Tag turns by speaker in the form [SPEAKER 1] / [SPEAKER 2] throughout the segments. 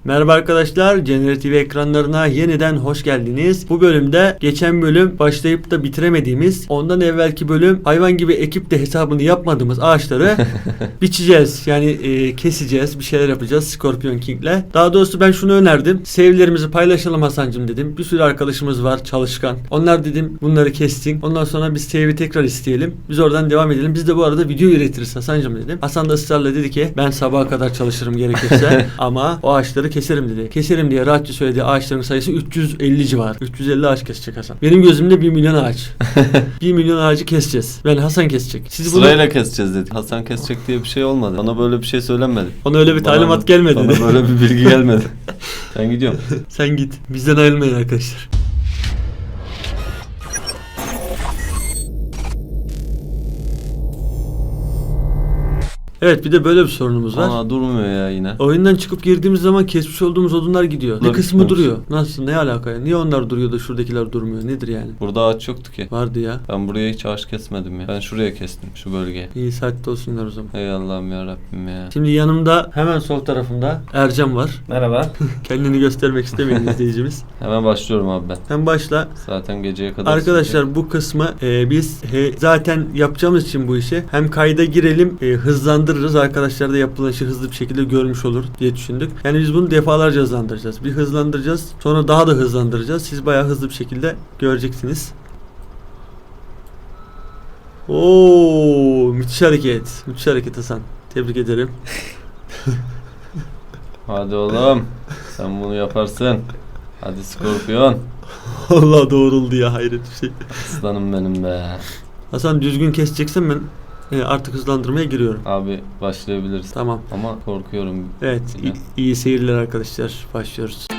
[SPEAKER 1] Merhaba arkadaşlar, Cennet TV ekranlarına yeniden hoş geldiniz. Bu bölümde geçen bölüm başlayıp da bitiremediğimiz, ondan evvelki bölüm hayvan gibi ekip de hesabını yapmadığımız ağaçları biçeceğiz. Yani keseceğiz, bir şeyler yapacağız Scorpion King'le. Daha doğrusu ben şunu önerdim. Save'lerimizi paylaşalım Hasan'cığım dedim. Bir sürü arkadaşımız var çalışkan. Onlar dedim bunları kessin. Ondan sonra biz save'i tekrar isteyelim. Biz oradan devam edelim. Biz de bu arada video üretiriz Hasan'cığım dedim. Hasan da ısrarla dedi ki ben sabaha kadar çalışırım gerekirse ama o ağaçları keserim dedi. Keserim diye rahatça söylediği ağaçların sayısı 350 civar. 350 ağaç kesecek Hasan. Benim gözümde 1 milyon ağaç. 1 milyon ağacı keseceğiz. Ben Hasan kesecek. Siz
[SPEAKER 2] Sırayla
[SPEAKER 1] bunu...
[SPEAKER 2] keseceğiz dedik. Hasan kesecek diye bir şey olmadı. Bana böyle bir şey söylenmedi.
[SPEAKER 1] Ona öyle bir talimat gelmedi.
[SPEAKER 2] Bana böyle bir bilgi gelmedi. Ben gidiyorum.
[SPEAKER 1] Sen git. Bizden ayrılmayın arkadaşlar. Evet, bir de böyle bir sorunumuz var.
[SPEAKER 2] Aa, durmuyor ya yine.
[SPEAKER 1] Oyundan çıkıp girdiğimiz zaman kesmiş olduğumuz odunlar gidiyor. Bir kısmı duruyor. Nasıl? Ne alaka ya? Niye onlar duruyor da şuradakiler durmuyor? Nedir yani?
[SPEAKER 2] Burada ağaç yoktu ki.
[SPEAKER 1] Vardı ya.
[SPEAKER 2] Ben buraya hiç ağaç kesmedim ya. Ben şuraya kestim. Şu bölgeye.
[SPEAKER 1] İyi saatte olsunlar o zaman.
[SPEAKER 2] Ey Allah'ım ya Rabbim ya.
[SPEAKER 1] Şimdi yanımda hemen sol tarafımda Ercan var.
[SPEAKER 3] Merhaba.
[SPEAKER 1] Kendini göstermek istemeyen izleyicimiz.
[SPEAKER 2] Hemen başlıyorum abi ben.
[SPEAKER 1] Sen başla.
[SPEAKER 2] Zaten geceye kadar
[SPEAKER 1] Arkadaşlar bu kısmı biz zaten yapacağımız için bu işi hem kayda girelim hızlandırırız. Arkadaşlar da yapılan işi hızlı bir şekilde görmüş olur diye düşündük. Yani biz bunu defalarca hızlandıracağız. Bir hızlandıracağız. Sonra daha da hızlandıracağız. Siz bayağı hızlı bir şekilde göreceksiniz. Oo, müthiş hareket. Müthiş hareket Hasan. Tebrik ederim.
[SPEAKER 2] Hadi oğlum. Sen bunu yaparsın. Hadi Scorpion.
[SPEAKER 1] Allah doğruldu ya, hayret bir şey.
[SPEAKER 2] Aslanım benim be.
[SPEAKER 1] Hasan düzgün keseceksen ben artık hızlandırmaya giriyorum.
[SPEAKER 2] Abi başlayabiliriz.
[SPEAKER 1] Tamam.
[SPEAKER 2] Ama korkuyorum.
[SPEAKER 1] Evet, iyi seyirler arkadaşlar. Başlıyoruz.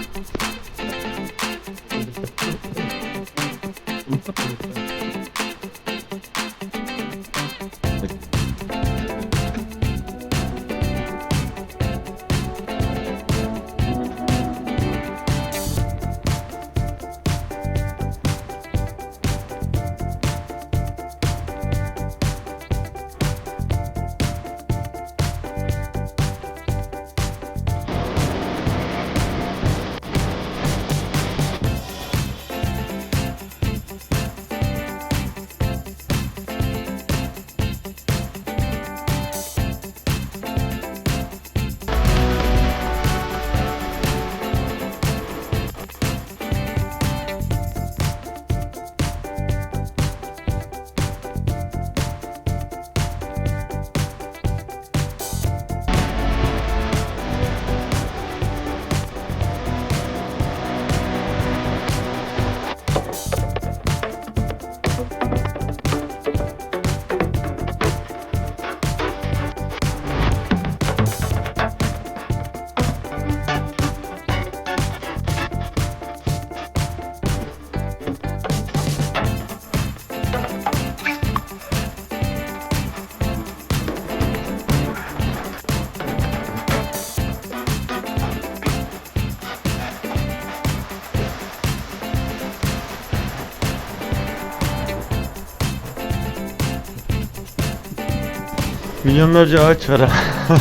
[SPEAKER 1] Milyonlarca ağaç var ha.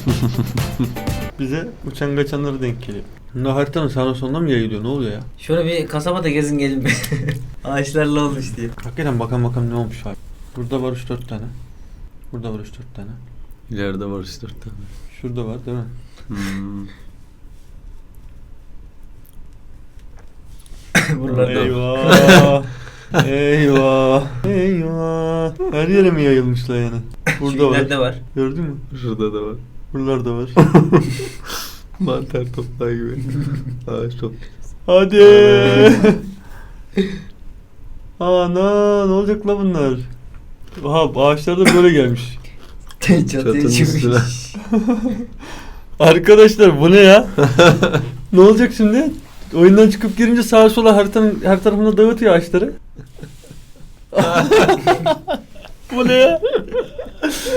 [SPEAKER 1] Bize uçan kaçanları denk geliyor. Bunlar haritanın sağına soluna mı yayılıyor? Ne oluyor ya?
[SPEAKER 3] Şöyle bir kasabada gezin gelin be. Ağaçlarla olmuş diye.
[SPEAKER 1] Hakikaten bakalım ne olmuş abi. Burada var 3-4 tane. Burada var 3-4 tane.
[SPEAKER 2] İleride var 3-4 tane.
[SPEAKER 1] Şurada var değil mi?
[SPEAKER 3] Buralarda.
[SPEAKER 1] Eyvah. Eyvah. Eyvah. Her yere mi yayılmışlar yani? Burada var.
[SPEAKER 3] Nerede var?
[SPEAKER 1] Gördün mü?
[SPEAKER 2] Şurada da var.
[SPEAKER 1] Buralarda var.
[SPEAKER 2] Mantar toplağı gibi. Ağaç top.
[SPEAKER 1] Hadi. Ana ne olacak la bunlar? Aha ağaçlar da böyle gelmiş.
[SPEAKER 3] Çatıya çıkmış.
[SPEAKER 1] Arkadaşlar bu ne ya? Ne olacak şimdi? Oyundan çıkıp girince sağa sola haritanın her tarafına dağıtıyor ağaçları. Bu ne ya?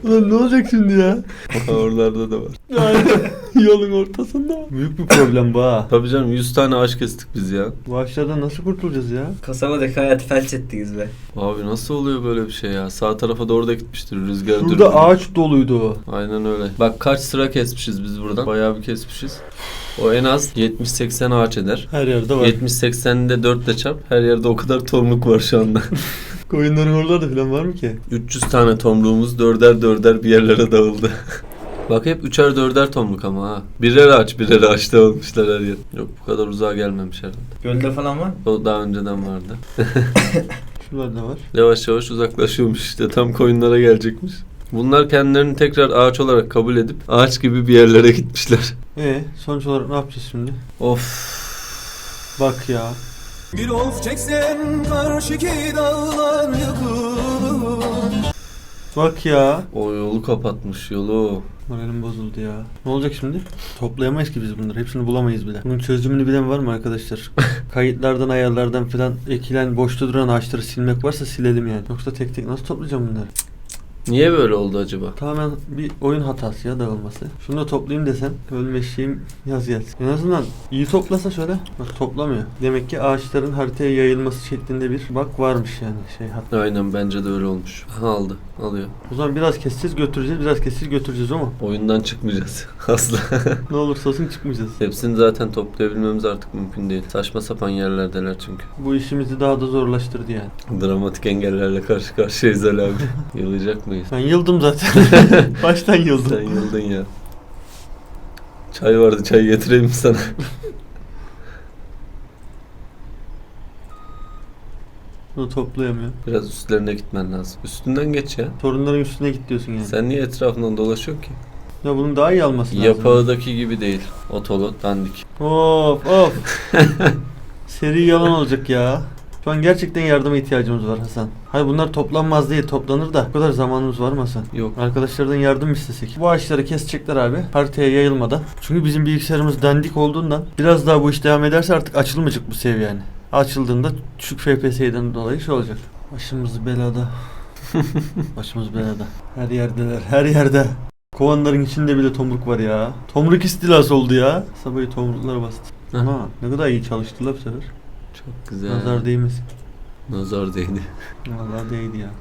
[SPEAKER 1] Ulan ne olacak şimdi ya?
[SPEAKER 2] Oralarda da var.
[SPEAKER 1] Yolun ortasında. Büyük bir problem bu ha.
[SPEAKER 2] Tabii canım 100 tane ağaç kestik biz ya.
[SPEAKER 1] Bu ağaçlardan nasıl kurtulacağız ya?
[SPEAKER 3] Kasabadaki hayatı felç ettiniz be.
[SPEAKER 2] Abi nasıl oluyor böyle bir şey ya? Sağ tarafa doğru da gitmiştir rüzgar
[SPEAKER 1] Şurada
[SPEAKER 2] dürbünü.
[SPEAKER 1] ağaç doluydu.
[SPEAKER 2] Aynen öyle. Bak kaç sıra kesmişiz biz buradan. Bayağı bir kesmişiz. O en az 70-80 ağaç eder.
[SPEAKER 1] Her yerde var.
[SPEAKER 2] 70-80'i de 4 ile çarp. Her yerde o kadar tomruk var şu anda.
[SPEAKER 1] Koyunların oralarda falan var mı ki?
[SPEAKER 2] 300 tane tomruğumuz dörder dörder bir yerlere dağıldı. Bak hep üçer dörder tomruk ama ha. Birer ağaç dağılmışlar her yer. Yok bu kadar uzağa gelmemiş herhalde.
[SPEAKER 3] Gölde falan var mı?
[SPEAKER 2] O daha önceden vardı.
[SPEAKER 1] Şuralarda var.
[SPEAKER 2] Yavaş yavaş uzaklaşıyormuş işte. Tam koyunlara gelecekmiş. Bunlar kendilerini tekrar ağaç olarak kabul edip ağaç gibi bir yerlere gitmişler.
[SPEAKER 1] Sonuç olarak ne yapacağız şimdi?
[SPEAKER 2] Of.
[SPEAKER 1] Bak ya.
[SPEAKER 4] Bir of çeksen karşıki dağlar yıkılır.
[SPEAKER 1] Bak ya.
[SPEAKER 2] O yolu kapatmış yolu.
[SPEAKER 1] Moralim bozuldu ya. Ne olacak şimdi? Toplayamayız ki biz bunları. Hepsini bulamayız bile. Bunun çözümünü bilen var mı arkadaşlar? Kayıtlardan, ayarlardan falan ekilen, boşta duran ağaçları silmek varsa silelim yani. Yoksa tek tek nasıl toplayacağım bunları?
[SPEAKER 2] Niye böyle oldu acaba?
[SPEAKER 1] Tamamen bir oyun hatası ya, dağılması. Şunu da toplayayım desen ölme eşeğim yaz gelsin. En azından iyi toplasa şöyle. Bak toplamıyor. Demek ki ağaçların haritaya yayılması şeklinde bir bak varmış yani şey hat.
[SPEAKER 2] Aynen bence de öyle olmuş. Aha, aldı. Alıyor.
[SPEAKER 1] O zaman biraz keseceğiz götüreceğiz, biraz keseceğiz götüreceğiz ama
[SPEAKER 2] Oyundan çıkmayacağız. Asla.
[SPEAKER 1] ne olursa olsun çıkmayacağız.
[SPEAKER 2] Hepsini zaten toplayabilmemiz artık mümkün değil. Saçma sapan yerlerdeler çünkü.
[SPEAKER 1] Bu işimizi daha da zorlaştırdı yani.
[SPEAKER 2] Dramatik engellerle karşı karşıyayız Ali abi. Yılacak mıyız?
[SPEAKER 1] Ben yıldım zaten. Baştan yıldım.
[SPEAKER 2] Sen yıldın ya. Çay vardı, çay getireyim mi sana?
[SPEAKER 1] Bunu toplayamıyor.
[SPEAKER 2] Biraz üstlerine gitmen lazım. Üstünden geç ya.
[SPEAKER 1] Sorunların üstüne git diyorsun yani.
[SPEAKER 2] Sen niye etrafından dolaşıyorsun ki?
[SPEAKER 1] Ya bunun daha iyi alması lazım.
[SPEAKER 2] Yapağıdaki gibi değil. Otolu, dandik.
[SPEAKER 1] Of of. Seri yalan olacak ya. Şu an gerçekten yardıma ihtiyacımız var Hasan. Hayır bunlar toplanmaz değil, toplanır da. Bu kadar zamanımız var mı Hasan?
[SPEAKER 2] Yok.
[SPEAKER 1] Arkadaşlardan yardım istesek. Bu ağaçları kesecekler abi. Haritaya yayılmadan. Çünkü bizim bilgisayarımız dandik olduğundan biraz daha bu iş devam ederse artık açılmayacak bu seviye yani. Açıldığında düşük FPS'den dolayı şey olacak. Başımız belada. Başımız belada. Her yerdeler, her yerde. Kovanların içinde bile tomruk var ya. Tomruk istilası oldu ya. Sabahı tomruklar bastı.
[SPEAKER 2] Heh.
[SPEAKER 1] Ama ne kadar iyi çalıştılar bu sefer.
[SPEAKER 2] Çok güzel.
[SPEAKER 1] Nazar değmesin.
[SPEAKER 2] Nazar değdi.
[SPEAKER 1] Vallahi değdi ya.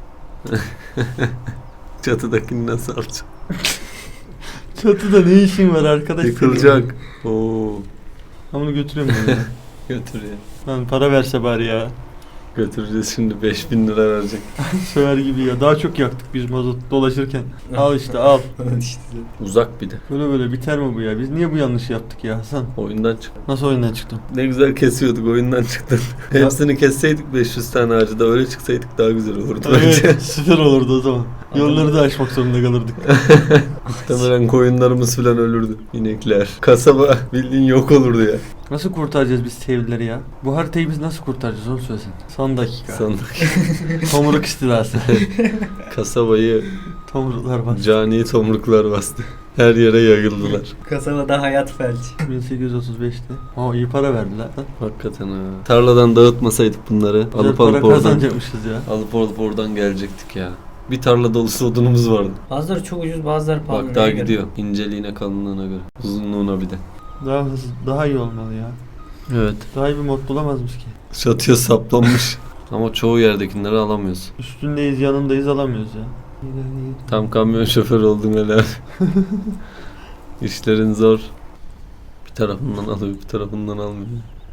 [SPEAKER 2] Çatıdakini nasıl alacağım?
[SPEAKER 1] Çatıda ne işin var arkadaş?
[SPEAKER 2] Yıkılacak. Oo.
[SPEAKER 1] Ben bunu götürüyorum ben ya.
[SPEAKER 2] Götür ya.
[SPEAKER 1] Lan para verse bari ya.
[SPEAKER 2] Götüreceğiz şimdi 5000 lira verecek.
[SPEAKER 1] Söver gibi ya. Daha çok yaktık biz mazot dolaşırken. Al işte al.
[SPEAKER 3] İşte.
[SPEAKER 2] Uzak bir de.
[SPEAKER 1] Böyle biter mi bu ya? Biz niye bu yanlışı yaptık ya Hasan?
[SPEAKER 2] Oyundan çık.
[SPEAKER 1] Nasıl oyundan çıktım?
[SPEAKER 2] Ne güzel kesiyorduk oyundan çıktın. Hepsini kesseydik 500 tane ağacı da öyle çıksaydık daha güzel olurdu bence.
[SPEAKER 1] Evet süper olurdu o zaman. Yolları da aşmak zorunda kalırdık.
[SPEAKER 2] Muhtemelen koyunlarımız falan ölürdü. İnekler. Kasaba bildiğin yok olurdu ya.
[SPEAKER 1] Nasıl kurtaracağız biz sevgilileri ya? Bu haritayı biz nasıl kurtaracağız onu söylesin. Son dakika.
[SPEAKER 2] Sandık.
[SPEAKER 1] Tomruk istilası.
[SPEAKER 2] Kasabayı
[SPEAKER 1] Tomruklar bastı.
[SPEAKER 2] cani tomruklar bastı. Her yere yayıldılar.
[SPEAKER 3] Kasabada hayat felç.
[SPEAKER 1] 1835'te. Aa iyi para verdiler lan.
[SPEAKER 2] Hakikaten ha. Tarladan dağıtmasaydık bunları
[SPEAKER 1] Güzel
[SPEAKER 2] alıp
[SPEAKER 1] para
[SPEAKER 2] oradan
[SPEAKER 1] kazanacakmışız ya.
[SPEAKER 2] alıp oradan gelecektik ya. Bir tarla dolusu odunumuz vardı.
[SPEAKER 3] Bazıları çok ucuz, bazıları pahalı.
[SPEAKER 2] Bak daha
[SPEAKER 3] Neye göre?
[SPEAKER 2] gidiyor. İnceliğine, kalınlığına göre. Uzunluğuna bir de.
[SPEAKER 1] Daha hızlı, daha iyi olmalı ya.
[SPEAKER 2] Evet.
[SPEAKER 1] Daha iyi bir mod bulamazmış ki.
[SPEAKER 2] Çatıya saplanmış. Ama çoğu yerdekileri alamıyoruz.
[SPEAKER 1] Üstündeyiz, yanındayız alamıyoruz ya.
[SPEAKER 2] Tam kamyon şoförü oldum hele. İşlerin zor. Bir tarafından alıyor, bir tarafından almıyor.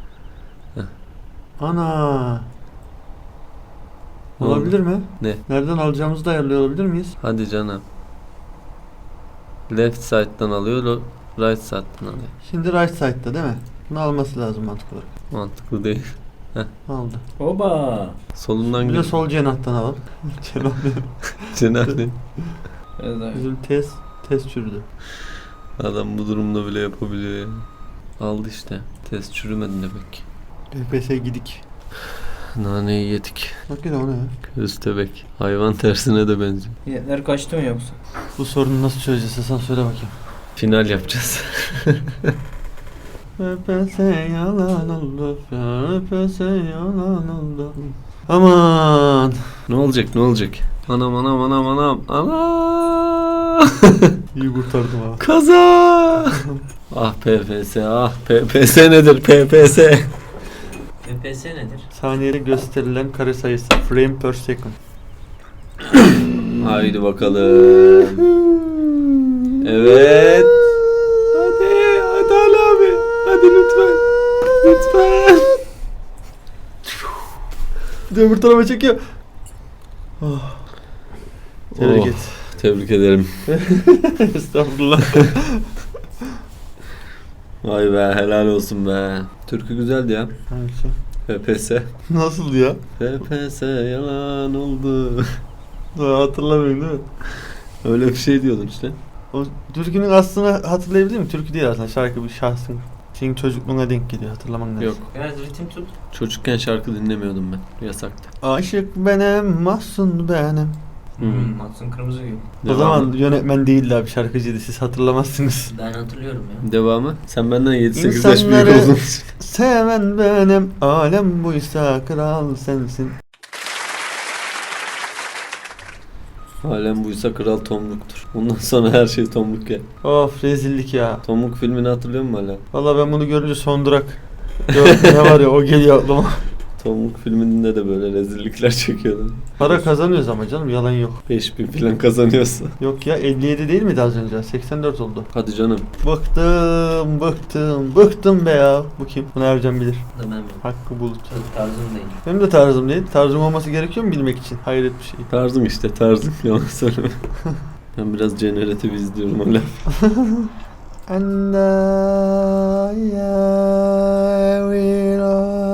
[SPEAKER 1] Ana.
[SPEAKER 2] Ne
[SPEAKER 1] Olabilir mi?
[SPEAKER 2] Ne?
[SPEAKER 1] Nereden alacağımızı da ayarlıyor olabilir miyiz?
[SPEAKER 2] Hadi canım. Left side'dan alıyor, right side'dan alıyor.
[SPEAKER 1] Şimdi right side'da değil mi? Bunu alması lazım mantık olarak.
[SPEAKER 2] Mantıklı değil.
[SPEAKER 1] Aldı.
[SPEAKER 3] Oba.
[SPEAKER 2] Solundan
[SPEAKER 1] Bir de
[SPEAKER 2] gel.
[SPEAKER 1] sol cenahtan alalım. Cenah benim.
[SPEAKER 2] Cenahli.
[SPEAKER 3] Biraz daha.
[SPEAKER 1] Bizim test çürüdü.
[SPEAKER 2] Adam bu durumda bile yapabiliyor ya. Aldı işte. Test çürümedi demek.
[SPEAKER 1] FPS gidik.
[SPEAKER 2] Naneyi yedik.
[SPEAKER 1] Bak yine o ne ya?
[SPEAKER 2] Köstebek. Hayvan tersine de benziyor.
[SPEAKER 3] Fiyatlar kaçtı mı yoksa?
[SPEAKER 1] Bu sorunu nasıl çözeceğiz Hasan söyle bakayım.
[SPEAKER 2] Final yapacağız.
[SPEAKER 1] FPS yalan oldu. FPS yalan oldu. Aman.
[SPEAKER 2] Ne olacak ne olacak? Anam anam anam anam. Anam.
[SPEAKER 1] İyi kurtardım ha.
[SPEAKER 2] Kaza. Ah PPS ah PPS nedir PPS?
[SPEAKER 3] FPS nedir?
[SPEAKER 1] Saniyede gösterilen kare sayısı. Frame per second.
[SPEAKER 2] Haydi bakalım. Evet. Hadi Ali abi. Hadi lütfen. Lütfen.
[SPEAKER 1] Bir de öbür tarafa çekiyor. Oh. Tebrik
[SPEAKER 2] Oh,
[SPEAKER 1] et.
[SPEAKER 2] Tebrik ederim.
[SPEAKER 1] Estağfurullah.
[SPEAKER 2] Vay be helal olsun be. Türkü güzeldi ya.
[SPEAKER 1] Hangisi?
[SPEAKER 2] PPS.
[SPEAKER 1] Nasıl ya?
[SPEAKER 2] PPS yalan oldu.
[SPEAKER 1] Daha hatırlamıyorum değil mi?
[SPEAKER 2] Öyle bir şey diyordun işte.
[SPEAKER 1] O türkünün aslını hatırlayabilir miyim? Türkü değil aslında. Şarkı bir şahsın. Senin çocukluğuna denk geliyor. Hatırlaman lazım.
[SPEAKER 2] Yok.
[SPEAKER 3] Biraz ritim tut.
[SPEAKER 2] Çocukken şarkı dinlemiyordum ben. Yasaktı.
[SPEAKER 1] Aşık benim, mahzun benim.
[SPEAKER 3] Mahsun Kırmızıgül.
[SPEAKER 1] O zaman yönetmen değildi abi, şarkıcıydı. Siz hatırlamazsınız.
[SPEAKER 3] Ben hatırlıyorum ya.
[SPEAKER 2] Devamı. Sen benden 7-8 yaş büyük
[SPEAKER 1] İnsanları
[SPEAKER 2] oldun.
[SPEAKER 1] seven benim, alem buysa kral sensin.
[SPEAKER 2] Alem buysa kral Tomruk'tur. Ondan sonra her şey Tomruk ya.
[SPEAKER 1] Of rezillik ya.
[SPEAKER 2] Tomruk filmini hatırlıyor musun hala?
[SPEAKER 1] Valla ben bunu görünce son durak. Ne var ya, o geliyor aklıma.
[SPEAKER 2] Tomruk filminde de böyle rezillikler çekiyordun.
[SPEAKER 1] Para kazanıyoruz ama canım, yalan yok.
[SPEAKER 2] 5000 falan kazanıyorsa.
[SPEAKER 1] Yok ya, 57 değil miydi az önce? 84 oldu.
[SPEAKER 2] Hadi canım.
[SPEAKER 1] Bıktım be ya. Bu kim? Bunu Ercan bilir.
[SPEAKER 3] Da ben mi?
[SPEAKER 1] Hakkı Bulut.
[SPEAKER 3] Çok tarzım değil.
[SPEAKER 1] Benim de tarzım değil. Tarzım olması gerekiyor mu bilmek için? Hayret bir şey.
[SPEAKER 2] Tarzım işte tarzım. Yalan söyleme. Ben biraz Generative izliyorum hala.
[SPEAKER 1] And I will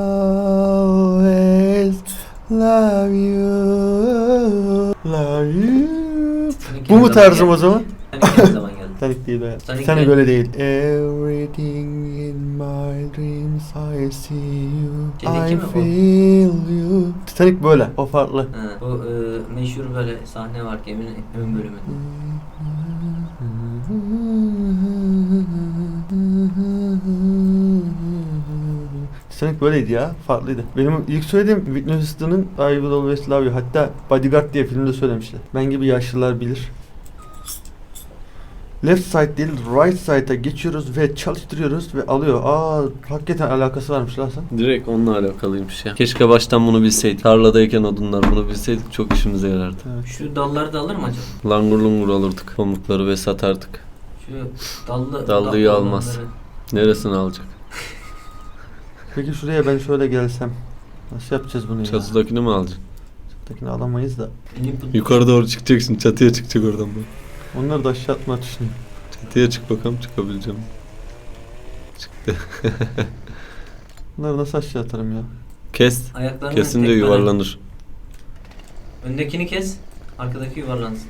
[SPEAKER 1] always love you. Love you. Bu mu tarzım o zaman?
[SPEAKER 3] Titanic ne zaman geldi?
[SPEAKER 1] Titanic değil o ya.
[SPEAKER 3] Titanic
[SPEAKER 1] Titanic
[SPEAKER 3] ne?
[SPEAKER 1] öyle değil. Everything in my dreams I see you.
[SPEAKER 3] Şeydeki
[SPEAKER 1] I
[SPEAKER 3] mi bu?
[SPEAKER 1] feel you. Titanic böyle. O farklı.
[SPEAKER 3] Ha, bu meşhur böyle sahne var geminin ön bölümü.
[SPEAKER 1] Titanic böyleydi ya. Farklıydı. Benim ilk söylediğim Whitney Houston'ın I Will Always Love You. Hatta Bodyguard diye filmde söylemişler. Ben gibi yaşlılar bilir. Left side değil, right side'a geçiyoruz ve çalıştırıyoruz ve alıyor. Hakikaten alakası varmış lan sen.
[SPEAKER 2] Direkt onunla alakalıymış ya. Keşke baştan bunu bilseydik. Tarladayken odunlar bunu bilseydik çok işimize yarardı.
[SPEAKER 3] Şu dalları da alır mı acaba?
[SPEAKER 2] Langur lungur alırdık. Pamukları ve satardık.
[SPEAKER 3] Şu dallı...
[SPEAKER 2] Dallıyı
[SPEAKER 3] dallı
[SPEAKER 2] almaz.
[SPEAKER 3] olanları.
[SPEAKER 2] Neresini alacak?
[SPEAKER 1] Peki şuraya ben şöyle gelsem. Nasıl yapacağız bunu ya?
[SPEAKER 2] Çatıdakini mi alacaksın?
[SPEAKER 1] Çatıdakini alamayız da.
[SPEAKER 2] Yukarı doğru çıkacaksın. Çatıya çıkacak oradan bu.
[SPEAKER 1] Onları da aşağı atma düşünüyorum.
[SPEAKER 2] Çatıya çık bakalım çıkabileceğim. Çıktı.
[SPEAKER 1] Bunları nasıl aşağı atarım ya?
[SPEAKER 2] Kes.
[SPEAKER 3] Ayaklarını
[SPEAKER 2] Kesince
[SPEAKER 3] tekmele.
[SPEAKER 2] yuvarlanır.
[SPEAKER 3] Öndekini kes. Arkadaki yuvarlansın.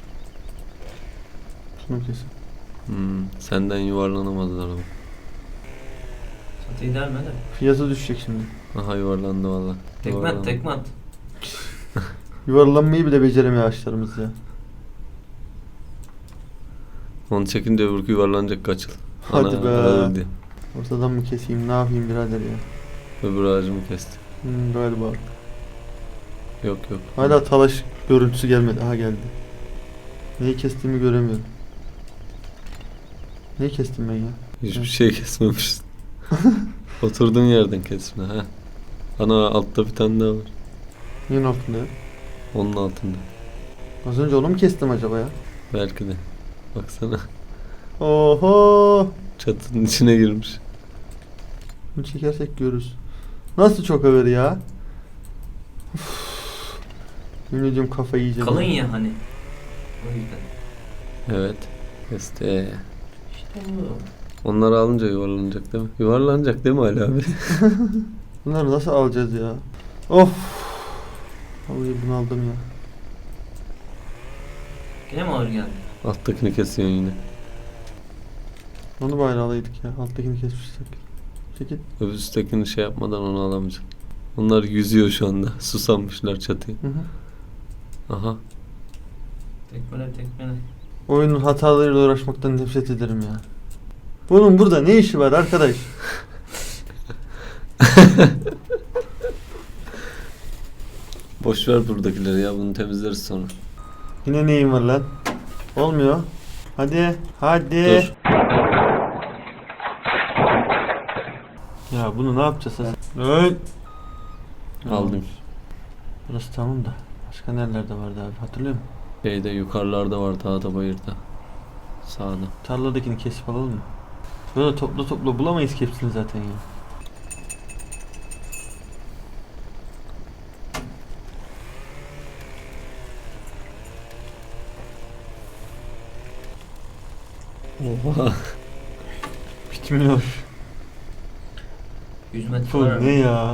[SPEAKER 1] Şunu kesin.
[SPEAKER 2] Senden yuvarlanamazlar ama.
[SPEAKER 3] Çatıyı delme de.
[SPEAKER 1] Fiyatı düşecek şimdi.
[SPEAKER 2] Aha yuvarlandı valla.
[SPEAKER 3] Tekme at tekme at.
[SPEAKER 1] Yuvarlanmayı bile beceremiyor ağaçlarımız ya.
[SPEAKER 2] Onu çekince öbürkü yuvarlanacak kaçıl.
[SPEAKER 1] Hadi be.
[SPEAKER 2] Ağır diye.
[SPEAKER 1] Ortadan mı keseyim, ne yapayım birader ya?
[SPEAKER 2] Öbür ağacımı kesti.
[SPEAKER 1] Galiba.
[SPEAKER 2] Yok.
[SPEAKER 1] Hala talaş görüntüsü gelmedi. Aha geldi. Neyi kestiğimi göremiyorum. Neyi kestim ben ya?
[SPEAKER 2] Hiçbir şey kesmemişsin. Oturduğun yerden kesme ha. Ana altta bir tane daha var.
[SPEAKER 1] Neyin altında ya?
[SPEAKER 2] Onun altında.
[SPEAKER 1] Az önce onu mu kestim acaba ya?
[SPEAKER 2] Belki de. Baksana.
[SPEAKER 1] Oho!
[SPEAKER 2] Çatının içine girmiş.
[SPEAKER 1] Bunu çekersek görürüz. Nasıl çok ağır ya? Yemin ediyorum kafayı yiyeceğim.
[SPEAKER 3] Kalın ya hani. O yüzden.
[SPEAKER 2] Evet. Kesti.
[SPEAKER 3] İşte bu.
[SPEAKER 2] Onları alınca yuvarlanacak değil mi? Yuvarlanacak değil mi Ali abi?
[SPEAKER 1] Bunları nasıl alacağız ya? Of! Vallahi bunu aldım ya.
[SPEAKER 3] Yine mi ağır geldi?
[SPEAKER 2] Alttakini kesiyorsun yine.
[SPEAKER 1] Onu bari alaydık ya. Alttakini kesmiştik. Çekil.
[SPEAKER 2] Öbür üsttekini şey yapmadan onu alamayacaksın. Onlar yüzüyor şu anda. Susamışlar çatıya.
[SPEAKER 1] Hı hı.
[SPEAKER 2] Aha.
[SPEAKER 3] Tekmele.
[SPEAKER 1] Oyunun hatalarıyla uğraşmaktan nefret ederim ya. Bunun burada ne işi var arkadaş?
[SPEAKER 2] Boş ver buradakileri ya, bunu temizleriz sonra.
[SPEAKER 1] Yine neyin var lan? Olmuyor. Hadi. Hadi.
[SPEAKER 2] Dur.
[SPEAKER 1] Ya bunu ne yapacağız? Evet.
[SPEAKER 2] Aldım.
[SPEAKER 1] Burası tamam da. Başka nerelerde vardı abi, hatırlıyor musun?
[SPEAKER 2] Şeyde yukarılarda var, dağda bayırda. Sağda.
[SPEAKER 1] Tarladakini kesip alalım mı? Böyle toplu toplu bulamayız ki hepsini zaten ya.
[SPEAKER 2] Oha.
[SPEAKER 1] Bitmiyor.
[SPEAKER 3] 100 metre
[SPEAKER 1] Bu
[SPEAKER 3] var.
[SPEAKER 1] ne ya?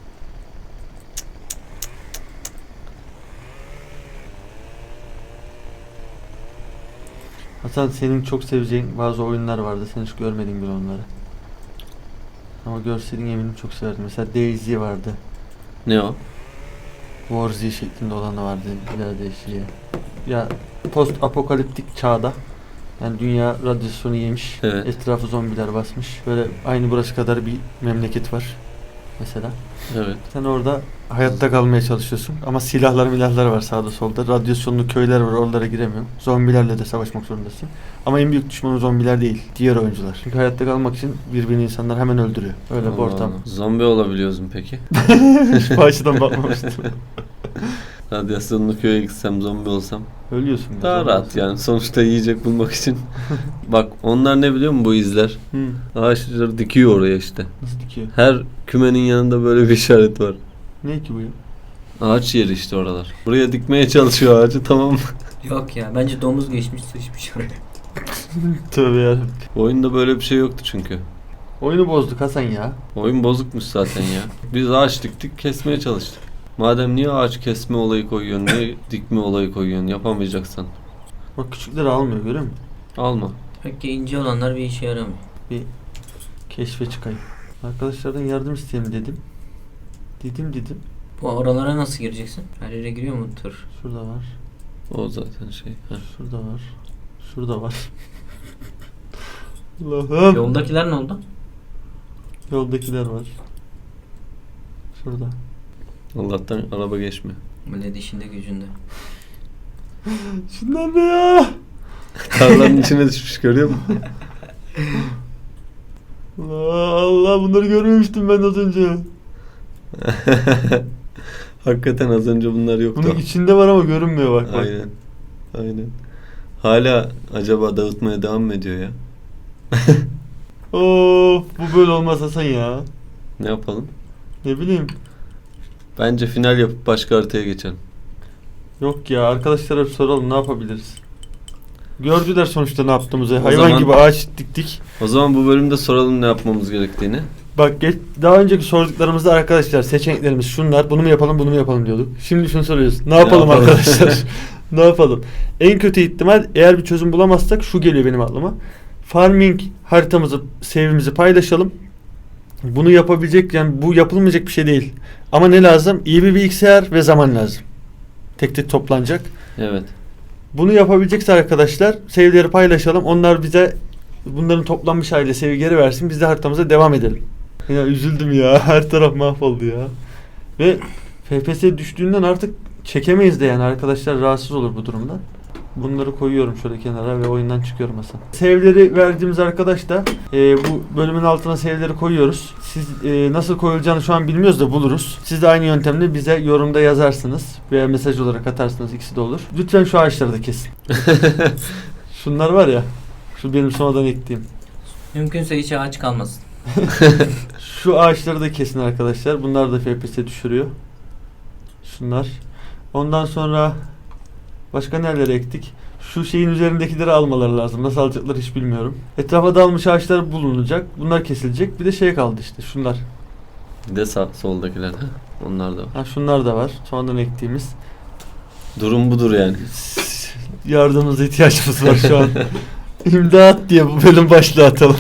[SPEAKER 1] Hasan, senin çok seveceğin bazı oyunlar vardı. Sen hiç görmedin bile onları. Ama görseydin eminim çok severdin. Mesela DayZ vardı.
[SPEAKER 2] Ne o?
[SPEAKER 1] War Z şeklinde olan da vardı. Bir daha değişiyor. Ya post apokaliptik çağda. Yani dünya radyasyonu yemiş.
[SPEAKER 2] Evet.
[SPEAKER 1] Etrafı zombiler basmış. Böyle aynı burası kadar bir memleket var. Mesela.
[SPEAKER 2] Evet.
[SPEAKER 1] Sen orada hayatta kalmaya çalışıyorsun. Ama silahlar var sağda solda. Radyasyonlu köyler var, oralara giremiyorsun. Zombilerle de savaşmak zorundasın. Ama en büyük düşmanı zombiler değil, diğer oyuncular. Çünkü hayatta kalmak için birbirini insanlar hemen öldürüyor. Öyle bir
[SPEAKER 2] Allah
[SPEAKER 1] ortam.
[SPEAKER 2] Allah. Zombi olabiliyoruz mu peki?
[SPEAKER 1] Hiç bu açıdan bakmamıştım.
[SPEAKER 2] Radyasyonlu köye gitsem, zombi olsam
[SPEAKER 1] Ölüyorsun. ya,
[SPEAKER 2] daha
[SPEAKER 1] zombi
[SPEAKER 2] rahat
[SPEAKER 1] olsun.
[SPEAKER 2] yani. Sonuçta yiyecek bulmak için. Bak onlar ne biliyor musun bu izler?
[SPEAKER 1] Hı.
[SPEAKER 2] Ağaçları dikiyor oraya işte.
[SPEAKER 1] Nasıl dikiyor?
[SPEAKER 2] Her kümenin yanında böyle bir işaret var.
[SPEAKER 1] Ne ki bu ya?
[SPEAKER 2] Ağaç yeri işte oralar. Buraya dikmeye çalışıyor ağacı, tamam mı?
[SPEAKER 3] Yok ya, bence domuz geçmiş sıçmış oraya.
[SPEAKER 1] Tövbe ya.
[SPEAKER 2] Oyunda böyle bir şey yoktu çünkü.
[SPEAKER 1] Oyunu bozduk Hasan ya.
[SPEAKER 2] Oyun bozukmuş zaten ya. Biz ağaç diktik, kesmeye çalıştık. Madem niye ağaç kesme olayı koyuyorsun, niye dikme olayı koyuyorsun, yapamayacaksan
[SPEAKER 1] Bak küçükleri almıyor, görüyor musun?
[SPEAKER 2] alma.
[SPEAKER 3] Demek ki ince olanlar bir işe yaramıyor.
[SPEAKER 1] Bir keşfe çıkayım. Arkadaşlardan yardım isteyeyim dedim. Dedim.
[SPEAKER 3] Bu oralara nasıl gireceksin? Her yere giriyor mu tır?
[SPEAKER 1] Şurada var.
[SPEAKER 2] O zaten şey. Heh.
[SPEAKER 1] Şurada var. Şurada var. Allah'ım.
[SPEAKER 3] Yoldakiler ne oldu?
[SPEAKER 1] Yoldakiler var. Şurada.
[SPEAKER 2] Allah'tan araba geçmiyor.
[SPEAKER 3] Millet işinde gücünde.
[SPEAKER 1] Şunlar ne ya?
[SPEAKER 2] Tarlanın içine düşmüş, görüyor musun?
[SPEAKER 1] Allah, bunları görmemiştim ben az önce.
[SPEAKER 2] Hakikaten az önce bunlar yoktu.
[SPEAKER 1] Bunun içinde var ama görünmüyor bak.
[SPEAKER 2] Aynen. Aynen. Hala acaba dağıtmaya devam mı ediyor ya?
[SPEAKER 1] Of, bu böyle olmaz Hasan ya.
[SPEAKER 2] Ne yapalım?
[SPEAKER 1] Ne bileyim.
[SPEAKER 2] Bence final yapıp başka haritaya geçelim.
[SPEAKER 1] Yok ya, arkadaşlara bir soralım, ne yapabiliriz? Gördüler sonuçta ne yaptığımızı.
[SPEAKER 2] O
[SPEAKER 1] Hayvan
[SPEAKER 2] zaman-
[SPEAKER 1] gibi ağaç diktik.
[SPEAKER 2] O zaman bu bölümde soralım ne yapmamız gerektiğini.
[SPEAKER 1] Bak daha önceki sorduklarımızda arkadaşlar seçeneklerimiz şunlar. Bunu mu yapalım diyorduk. Şimdi şunu soruyoruz. Ne yapalım
[SPEAKER 2] yapalım?
[SPEAKER 1] arkadaşlar? Ne yapalım? En kötü ihtimal, eğer bir çözüm bulamazsak şu geliyor benim aklıma. Farming haritamızı, save'imizi paylaşalım. Bunu yapabilecek, yani bu yapılmayacak bir şey değil. Ama ne lazım? İyi bir bilgisayar ve zaman lazım. Tek tek toplanacak.
[SPEAKER 2] Evet.
[SPEAKER 1] Bunu yapabilecekse arkadaşlar save'leri paylaşalım. Onlar bize bunların toplanmış haliyle save geri versin. Biz de haritamıza devam edelim. Ya üzüldüm ya. Her taraf mahvoldu ya. Ve FPS düştüğünden artık çekemeyiz de, yani arkadaşlar rahatsız olur bu durumdan. Bunları koyuyorum şöyle kenara ve oyundan çıkıyorum Hasan. Save'leri verdiğimiz arkadaş da bu bölümün altına save'leri koyuyoruz. Siz nasıl koyulacağını şu an bilmiyoruz da buluruz. Siz de aynı yöntemle bize yorumda yazarsınız veya mesaj olarak atarsınız, ikisi de olur. Lütfen şu ağaçları da kesin. Şunlar var ya, şu benim sonradan ektiğim.
[SPEAKER 3] Mümkünse hiç ağaç kalmasın.
[SPEAKER 1] Şu ağaçları da kesin arkadaşlar. Bunlar da FPS düşürüyor. Şunlar. Ondan sonra başka nerelere ektik? Şu şeyin üzerindekileri almaları lazım. Nasıl alacaklar hiç bilmiyorum. Etrafa dağılmış ağaçlar bulunacak. Bunlar kesilecek. Bir de şey kaldı işte. Şunlar.
[SPEAKER 2] Bir de soldakiler. Ha? Onlar da var.
[SPEAKER 1] Ha, şunlar da var. Sonradan ektiğimiz.
[SPEAKER 2] Durum budur yani.
[SPEAKER 1] Yardımınıza ihtiyacımız var şu an. İmdat diye bu bölüm başlığı atalım.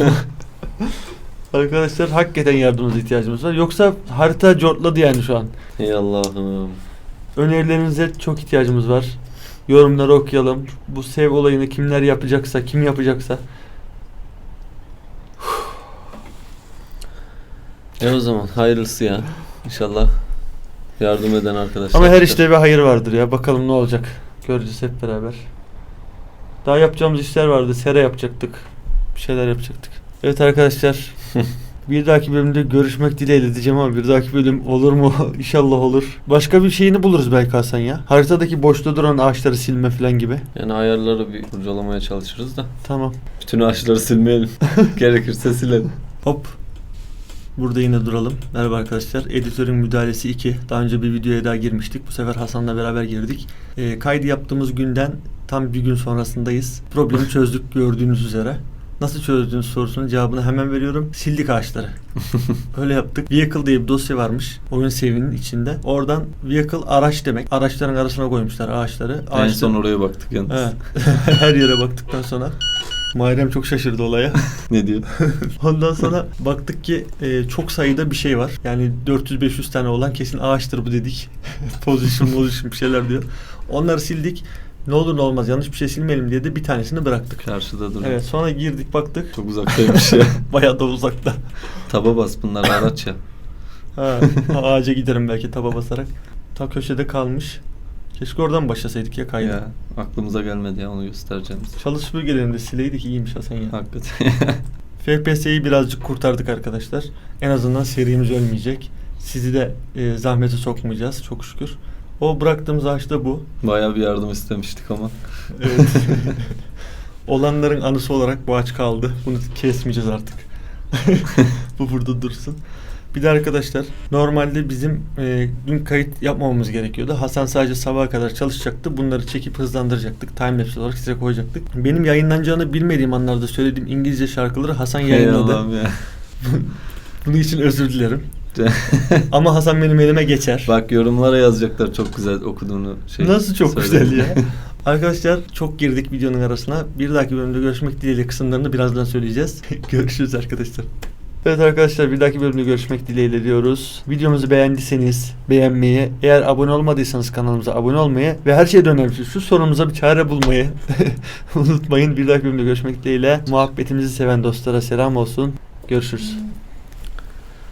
[SPEAKER 1] Arkadaşlar hakikaten yardımınıza ihtiyacımız var. Yoksa harita cortladı yani şu an.
[SPEAKER 2] Ey Allah'ım.
[SPEAKER 1] Önerilerinize çok ihtiyacımız var. Yorumları okuyalım. Bu save olayını kimler yapacaksa, kim yapacaksa.
[SPEAKER 2] O zaman hayırlısı ya. İnşallah Yardım eden arkadaşlar.
[SPEAKER 1] Ama her işte bir hayır vardır ya. Bakalım ne olacak. Göreceğiz hep beraber. Daha yapacağımız işler vardı. Sera yapacaktık. Bir şeyler yapacaktık. Evet arkadaşlar. Bir dahaki bölümde görüşmek dileğiyle diyeceğim ama bir dahaki bölüm olur mu? İnşallah olur. Başka bir şeyini buluruz belki Hasan ya. Haritadaki boşta duran ağaçları silme falan gibi.
[SPEAKER 2] Yani ayarları bir kurcalamaya çalışırız da.
[SPEAKER 1] Tamam.
[SPEAKER 2] Bütün ağaçları silmeyelim. Gerekirse silelim.
[SPEAKER 1] Hop. Burada yine duralım. Merhaba arkadaşlar. Editörün müdahalesi 2. Daha önce bir videoya daha girmiştik. Bu sefer Hasan'la beraber girdik. Kaydı yaptığımız günden tam bir gün sonrasındayız. Problemi çözdük gördüğünüz üzere. Nasıl çözdüğünüz sorusunun cevabını hemen veriyorum. Sildik ağaçları. Öyle yaptık. Vehicle diye bir dosya varmış. Oyun save'inin içinde. Oradan vehicle araç demek. Araçların arasına koymuşlar ağaçları.
[SPEAKER 2] En son oraya baktık yalnız.
[SPEAKER 1] Evet. Her yere baktıktan sonra Muharrem çok şaşırdı olaya.
[SPEAKER 2] Ne diyor?
[SPEAKER 1] Ondan sonra baktık ki çok sayıda bir şey var. Yani 400-500 tane olan kesin ağaçtır bu dedik. Position bir şeyler diyor. Onları sildik. Ne olur ne olmaz yanlış bir şey silmeyelim diye de bir tanesini bıraktık.
[SPEAKER 2] Karşıda duruyor.
[SPEAKER 1] Evet, sonra girdik baktık.
[SPEAKER 2] Çok uzaktaymış ya.
[SPEAKER 1] Bayağı da uzakta.
[SPEAKER 2] Taba bas, bunlar araç ya.
[SPEAKER 1] Ha, ağaca giderim belki taba basarak. Ta köşede kalmış. Keşke oradan başlasaydık ya kaydı.
[SPEAKER 2] Ya aklımıza gelmedi ya, onu göstereceğim size.
[SPEAKER 1] Çalı süpürgelerinde sileydik, iyiymiş Hasan ya.
[SPEAKER 2] Hakikaten.
[SPEAKER 1] FPS'yi birazcık kurtardık arkadaşlar. En azından serimiz ölmeyecek. Sizi de zahmete sokmayacağız çok şükür. O bıraktığımız ağaç da bu.
[SPEAKER 2] Bayağı bir yardım istemiştik ama.
[SPEAKER 1] Evet. Olanların anısı olarak bu ağaç kaldı. Bunu kesmeyeceğiz artık. Bu burada dursun. Bir de arkadaşlar normalde bizim dün kayıt yapmamamız gerekiyordu. Hasan sadece sabaha kadar çalışacaktı. Bunları çekip hızlandıracaktık. Timelapse olarak size koyacaktık. Benim yayınlanacağını bilmediğim anlarda söylediğim İngilizce şarkıları Hasan yayınladı.
[SPEAKER 2] Allah'ım ya.
[SPEAKER 1] Bunun için özür dilerim. Ama Hasan benim elime geçer.
[SPEAKER 2] Bak yorumlara yazacaklar çok güzel okuduğunu.
[SPEAKER 1] Nasıl çok
[SPEAKER 2] söyle.
[SPEAKER 1] güzel ya. Arkadaşlar çok girdik videonun arasına. Bir dahaki bölümde görüşmek dileğiyle kısımlarını birazdan söyleyeceğiz. Görüşürüz arkadaşlar. Evet arkadaşlar, bir dahaki bölümde görüşmek dileğiyle diyoruz. Videomuzu beğendiyseniz beğenmeyi, eğer abone olmadıysanız kanalımıza abone olmayı ve her şeyden önemlisi şu sorumuza bir çare bulmayı unutmayın. Bir dahaki bölümde görüşmek dileğiyle. Muhabbetimizi seven dostlara selam olsun. Görüşürüz.